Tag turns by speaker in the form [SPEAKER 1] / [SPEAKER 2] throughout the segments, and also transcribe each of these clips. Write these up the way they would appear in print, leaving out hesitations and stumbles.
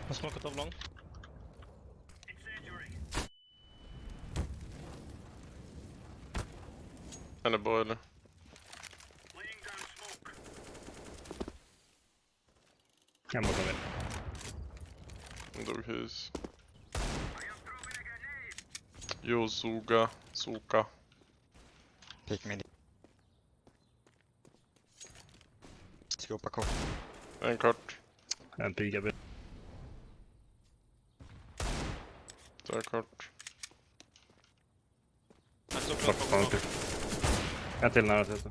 [SPEAKER 1] I'll smoke a top long.
[SPEAKER 2] And a boiler.
[SPEAKER 3] Ja mogę ver.
[SPEAKER 2] Dog hus. Jo, suga. Suka.
[SPEAKER 4] Pick mid. Ska hoppa
[SPEAKER 2] En kort.
[SPEAKER 3] En piga bil.
[SPEAKER 2] Det är kort.
[SPEAKER 1] I took
[SPEAKER 3] Bort
[SPEAKER 1] long,
[SPEAKER 3] från
[SPEAKER 1] long.
[SPEAKER 3] kul. En till nära till så.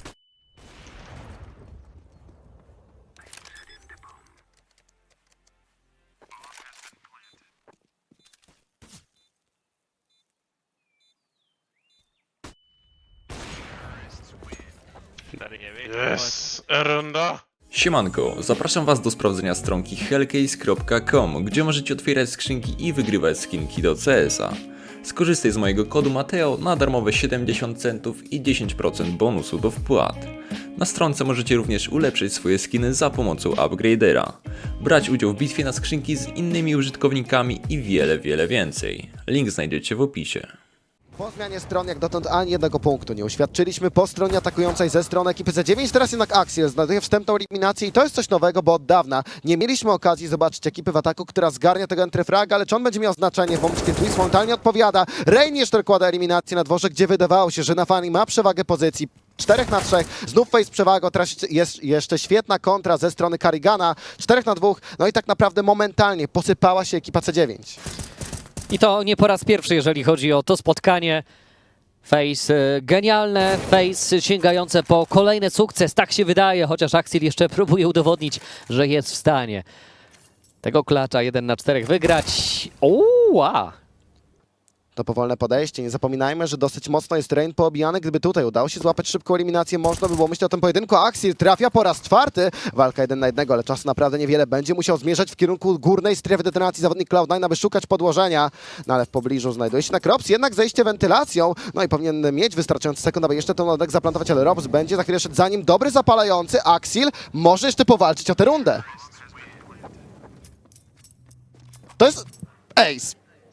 [SPEAKER 1] Där är vi.
[SPEAKER 2] Yes! En runda!
[SPEAKER 5] Siemanko, zapraszam Was do sprawdzenia stronki hellcase.com, gdzie możecie otwierać skrzynki i wygrywać skinki do CS-a. Skorzystaj z mojego kodu Mateo na darmowe 70 centów i 10% bonusu do wpłat. Na stronce możecie również ulepszyć swoje skiny za pomocą upgradera, brać udział w bitwie na skrzynki z innymi użytkownikami i wiele więcej. Link znajdziecie w opisie.
[SPEAKER 6] Po zmianie stron jak dotąd ani jednego punktu nie uświadczyliśmy po stronie atakującej ze strony ekipy C9. Teraz jednak Axiel znajduje wstępną eliminację i to jest coś nowego, bo od dawna nie mieliśmy okazji zobaczyć ekipy w ataku, która zgarnia tego entryfraga, ale czy on będzie miał znaczenie w momencie, kiedy Twist momentalnie odpowiada. Rain jeszcze dokłada eliminację na dworze, gdzie wydawało się, że Nafani ma przewagę pozycji. 4 na 3, znów face przewagą, teraz jest jeszcze świetna kontra ze strony Karrigana, 4 na 2, no i tak naprawdę momentalnie posypała się ekipa C9.
[SPEAKER 7] I to nie po raz pierwszy, jeżeli chodzi o to spotkanie. Face genialne, Face sięgające po kolejny sukces, tak się wydaje, chociaż Axiel jeszcze próbuje udowodnić, że jest w stanie tego klacza 1 na 4 wygrać. Uła!
[SPEAKER 6] To powolne podejście. Nie zapominajmy, że dosyć mocno jest Rain poobijany. Gdyby tutaj udało się złapać szybką eliminację, można by było myśleć o tym pojedynku. Axiel trafia po raz 4. Walka 1 na 1, ale czasu naprawdę niewiele. Będzie musiał zmierzać w kierunku górnej strefy detonacji zawodnik Cloud9, aby szukać podłożenia. No ale w pobliżu znajduje się na Robs. Jednak zejście wentylacją. No i powinien mieć wystarczający sekund, aby jeszcze ten lodek zaplantować, ale Robs będzie za chwilę szedł za nim. Dobry zapalający. Axiel może jeszcze powalczyć o tę rundę. To jest ace.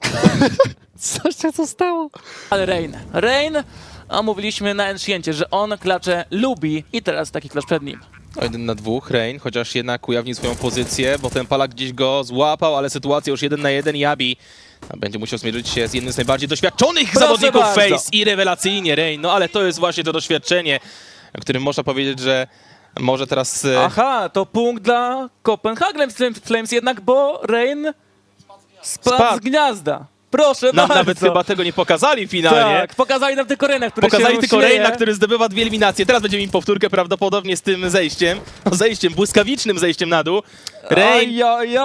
[SPEAKER 7] Co się to stało?
[SPEAKER 8] Ale Rain, a mówiliśmy na Anciencie, że on klacze lubi i teraz taki klacz przed nim.
[SPEAKER 9] No 1 na 2, Rain, chociaż jednak ujawnił swoją pozycję, bo ten Palak gdzieś go złapał, ale sytuacja już 1 na 1, Yabi będzie musiał zmierzyć się z jednym z najbardziej doświadczonych zawodników
[SPEAKER 8] bardzo.
[SPEAKER 9] Face i rewelacyjnie Rain, no ale to jest właśnie to doświadczenie, o którym można powiedzieć, że może teraz...
[SPEAKER 8] Aha, to punkt dla Copenhagen Flames jednak, bo Rain spadł z gniazda. Proszę bardzo.
[SPEAKER 9] Nawet chyba tego nie pokazali finalnie.
[SPEAKER 8] Tak, pokazali nam tylko Raina, który
[SPEAKER 9] Pokazali
[SPEAKER 8] się
[SPEAKER 9] tylko
[SPEAKER 8] śmieje.
[SPEAKER 9] Raina, który zdobywa 2 eliminacje. Teraz będziemy mieć powtórkę prawdopodobnie z tym zejściem. No, zejściem, błyskawicznym zejściem na dół. Rain...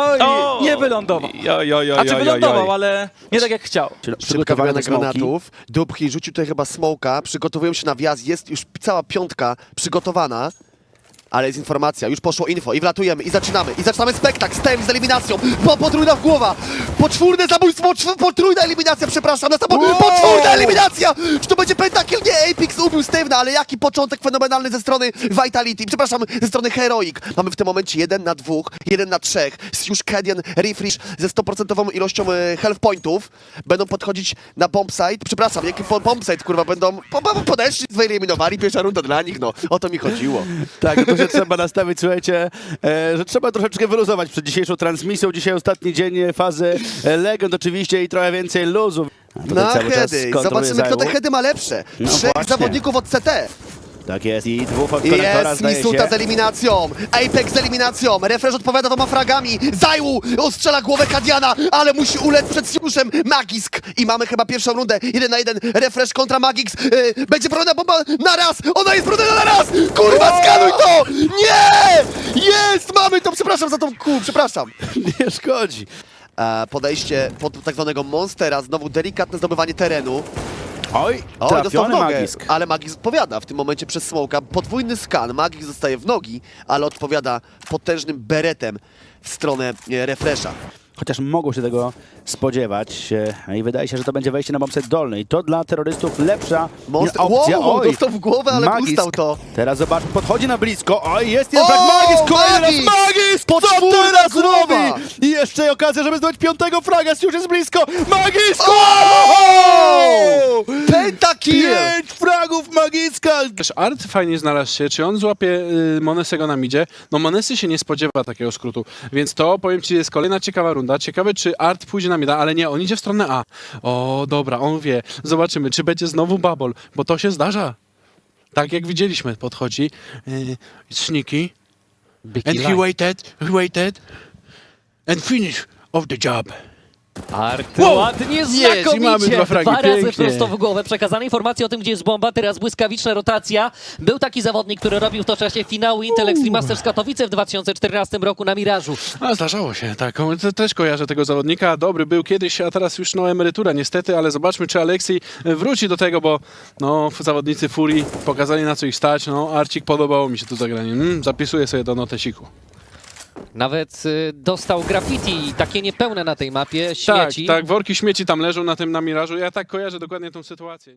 [SPEAKER 9] O!
[SPEAKER 8] Nie wylądował. Znaczy wylądował, ale nie tak jak chciał.
[SPEAKER 10] Przygotowanie granatów. Dubki rzucił tutaj chyba smoka, przygotowują się na wjazd, jest już cała piątka przygotowana. Ale jest informacja, już poszło info i wlatujemy i zaczynamy spektakl, stem z eliminacją, potrójna w głowa, poczwórne zabójstwo, potrójna eliminacja, przepraszam, potwórna eliminacja! Czy to będzie pentakill? Nie, Apex ubił Steve'na, ale jaki początek fenomenalny ze strony Vitality, przepraszam, ze strony Heroic. Mamy w tym momencie 1 na 2, 1 na 3, już Kedian Refresh ze 100% ilością health pointów, będą podchodzić na bombsite, przepraszam, jaki bombsite, kurwa, będą podeszli, wyeliminowali, pierwsza runda dla nich, no, o to mi chodziło.
[SPEAKER 3] Tak, no to się trzeba nastawić, słuchajcie, że trzeba troszeczkę wyluzować przed dzisiejszą transmisją. Dzisiaj ostatni dzień fazy Legend oczywiście i trochę więcej luzu.
[SPEAKER 10] Na heady, zobaczymy kto te heady ma lepsze.
[SPEAKER 3] No
[SPEAKER 10] 3
[SPEAKER 3] właśnie.
[SPEAKER 10] zawodników od CT.
[SPEAKER 3] Tak jest i 2 od konektora
[SPEAKER 10] Jest
[SPEAKER 3] zdaje
[SPEAKER 10] Misuta
[SPEAKER 3] się.
[SPEAKER 10] z eliminacją, Apex z eliminacją, Refresh odpowiada 2 fragami, Zajłu ostrzela głowę Kadiana, ale musi ulec przed Siuszem Magisk i mamy chyba pierwszą rundę, 1 na 1, Refresh kontra Magix, będzie broniona bomba na raz, ona jest broniona na raz, kurwa skanuj to, nie, jest, mamy to, przepraszam za tą przepraszam.
[SPEAKER 3] Nie szkodzi.
[SPEAKER 10] Podejście pod tak zwanego Monstera, znowu delikatne zdobywanie terenu.
[SPEAKER 3] Oj,
[SPEAKER 10] Dostał w
[SPEAKER 3] trafiony
[SPEAKER 10] nogę,
[SPEAKER 3] Magisk.
[SPEAKER 10] ale Magix odpowiada w tym momencie przez smoka. Podwójny skan, Magix zostaje w nogi, ale odpowiada potężnym beretem w stronę Refresha.
[SPEAKER 3] chociaż mogą się tego spodziewać. I wydaje się, że to będzie wejście na bombset dolny. I to dla terrorystów lepsza opcja.
[SPEAKER 10] Wow, dostał w głowę, ale
[SPEAKER 3] Magisk.
[SPEAKER 10] ustał to.
[SPEAKER 3] Teraz zobacz, podchodzi na blisko. Oj, jest jeden frag. Magisk, kolejny raz
[SPEAKER 10] Magisk!
[SPEAKER 3] Magisk! Co
[SPEAKER 10] Podwójna
[SPEAKER 3] teraz
[SPEAKER 10] głowa!
[SPEAKER 3] robi? I jeszcze okazja, żeby zdobyć 5. fraga. Już jest blisko. Magisk!
[SPEAKER 10] Pentakill!
[SPEAKER 3] 5 fragów Magiska!
[SPEAKER 11] Też Art fajnie znalazł się, czy on złapie Monesego na midzie? No Monesy się nie spodziewa takiego skrótu, więc to powiem ci jest kolejna ciekawa runda. Ciekawe czy Art pójdzie na mida, ale nie, on idzie w stronę A. O, dobra, on wie. Zobaczymy, czy będzie znowu bubble, bo to się zdarza. Tak jak widzieliśmy, podchodzi Sneaky and he waited and finish of the job.
[SPEAKER 7] Art
[SPEAKER 11] Wow!
[SPEAKER 7] ładnie,
[SPEAKER 11] Jest, i
[SPEAKER 7] znakomicie.
[SPEAKER 11] mamy 2 fragi,
[SPEAKER 7] Dwa razy
[SPEAKER 11] pięknie.
[SPEAKER 7] prosto w głowę. Przekazane informacje o tym, gdzie jest bomba. Teraz błyskawiczna rotacja. Był taki zawodnik, który robił w to czasie finału Intel Extreme Masters Katowice w 2014 roku na Mirażu.
[SPEAKER 11] A zdarzało się, tak. Też kojarzę tego zawodnika. Dobry był kiedyś, a teraz już emerytura niestety, ale zobaczmy, czy Aleksiej wróci do tego, bo zawodnicy Furii pokazali, na co ich stać. Arcik, podobało mi się to zagranie. Zapisuję sobie do notesiku.
[SPEAKER 7] Nawet dostał graffiti, takie niepełne na tej mapie,
[SPEAKER 11] Tak,
[SPEAKER 7] śmieci.
[SPEAKER 11] tak, worki śmieci tam leżą na Mirażu. Ja tak kojarzę dokładnie tą sytuację.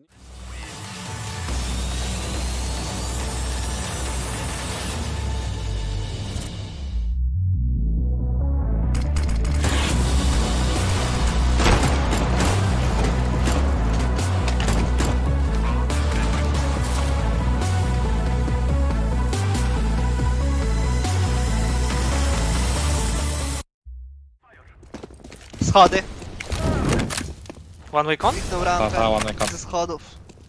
[SPEAKER 1] Schody. One way con?
[SPEAKER 4] Rampę
[SPEAKER 1] Ze schodów.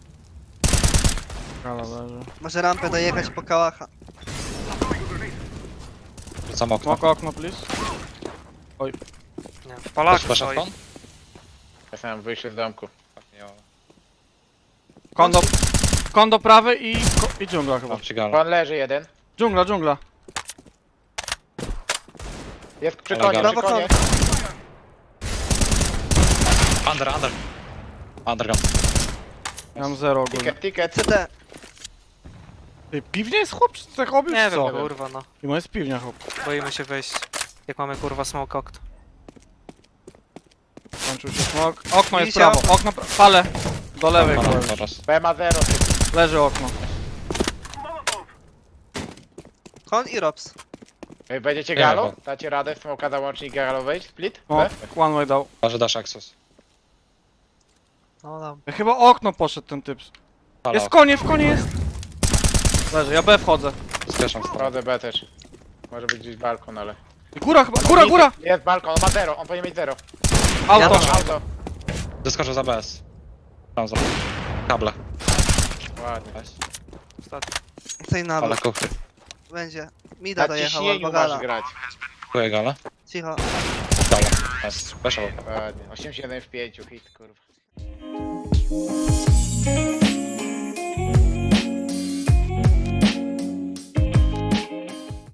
[SPEAKER 8] Gala leży.
[SPEAKER 1] Może rampę dojechać po kałacha.
[SPEAKER 4] Rzucam okno.
[SPEAKER 8] Okno, please.
[SPEAKER 1] Nie, w Polaku
[SPEAKER 4] Proszę,
[SPEAKER 1] stoi.
[SPEAKER 2] Ja sam wyjście z domku.
[SPEAKER 8] Kondo prawy i dżungla chyba.
[SPEAKER 2] Pan leży jeden.
[SPEAKER 8] Dżungla.
[SPEAKER 2] Jest przy
[SPEAKER 4] konie,
[SPEAKER 1] Brawo con.
[SPEAKER 4] Underground.
[SPEAKER 8] Ja mam 0 ogólnie.
[SPEAKER 2] Ticket.
[SPEAKER 1] CT.
[SPEAKER 8] Piwnia jest chłop, czy tak robisz,
[SPEAKER 1] Nie
[SPEAKER 8] co?
[SPEAKER 1] wiem, kurwa no.
[SPEAKER 8] I jest piwnia chłop.
[SPEAKER 1] Boimy się wejść. Jak mamy kurwa smoke okno.
[SPEAKER 8] Kończył się smok. Okno jest
[SPEAKER 1] Wisiał.
[SPEAKER 8] prawo, palę. Do lewej, kurwa.
[SPEAKER 2] B ma 0.
[SPEAKER 8] Leży okno.
[SPEAKER 1] Con i Robs.
[SPEAKER 2] Będziecie galo? Dacie radę w smoka załącznik galo wejść? Split?
[SPEAKER 8] O, one way dał.
[SPEAKER 4] Może dasz Axos.
[SPEAKER 1] No tam.
[SPEAKER 8] Chyba okno poszedł ten typ. Jest w konie jest. Leży, ja B wchodzę.
[SPEAKER 4] Zgaszam
[SPEAKER 2] Wchodzę B też. Może być gdzieś balkon, ale...
[SPEAKER 8] Góra chyba, góra!
[SPEAKER 2] Jest balkon, on ma 0, on powinien mieć 0.
[SPEAKER 8] Auto.
[SPEAKER 2] Auto.
[SPEAKER 4] Doskoczę za BS. Tam za kable.
[SPEAKER 2] Ładnie.
[SPEAKER 1] Tej na
[SPEAKER 4] Ale kuchy.
[SPEAKER 1] będzie. Mida
[SPEAKER 2] Na
[SPEAKER 1] dojechał
[SPEAKER 2] ciśnieniu
[SPEAKER 1] albo
[SPEAKER 2] masz
[SPEAKER 1] gala.
[SPEAKER 2] grać.
[SPEAKER 4] Dziękuję, gala.
[SPEAKER 1] Cicho.
[SPEAKER 4] Gala. Jest. Weszło.
[SPEAKER 2] Ładnie. 8-7 w 5, hit kurwa.